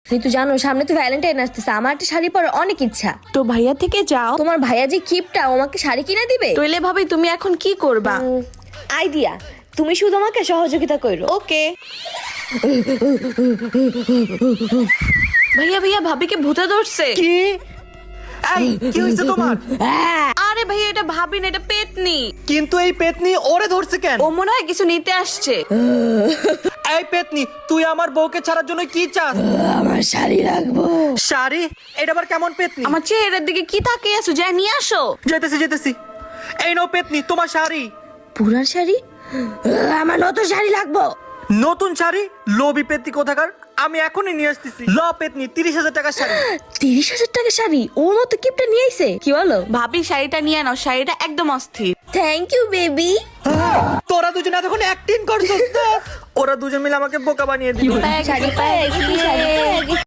কিন্তু জানো সামনে তো ভ্যালেন্টাইন আসতেছে, আমার একটা শাড়ি পরার অনেক ইচ্ছা। তো ভাইয়া থেকে যাও। তোমার ভাইয়া যে কিপটা, ও আমাকে শাড়ি কিনে দিবে? তইলে ভাবি তুমি এখন কি করবা? আইডিয়া, তুমি শুধু আমাকে সহযোগিতা করো। ওকে। ভাইয়া ভাইয়া ভাবিকে ভূতে ধরছে। কি? এই, কি হয়েছে তোমার? আরে ভাইয়া এটা ভাবি না, এটা পেতনি। কিন্তু এই পেতনি ওরে ধরছে কেন? ও মনে হয় কিছু নিতে আসছে। এই পেতনি, তুই আমার বউকে ছাড়ার জন্য কি চাস? আমার শাড়ি লাগবো। শাড়ি? এটা আবার কেমন পেতনি? আমার চেহারার দিকে কি তাকিয়ে আছো, যা নিয়ে আসো। যেতেছি। এই নাও পেতনি, তোমার শাড়ি। পুরান শাড়ি? আমার নতুন শাড়ি লাগবো। নতুন শাড়ি? লোভী পেতনি কোথাকার, আমি এখনই নিয়ে আসতেছি। ল পেতনি, 30,000 টাকার শাড়ি। 30,000 টাকা শাড়ি? ওর মতো কিপটা নিয়ে আইছে, কি বলো? ভাবি শাড়িটা নিয়ে নাও, শাড়িটা একদম অস্থির। Thank you baby. তোরা দুজন এতক্ষণ অ্যাক্টিং করছিস তো? ওরা দুজন মিলে আমাকে বোকা বানিয়ে দিল। শাড়ি পায়ে গেছি, শাড়ি পায়ে গেছি।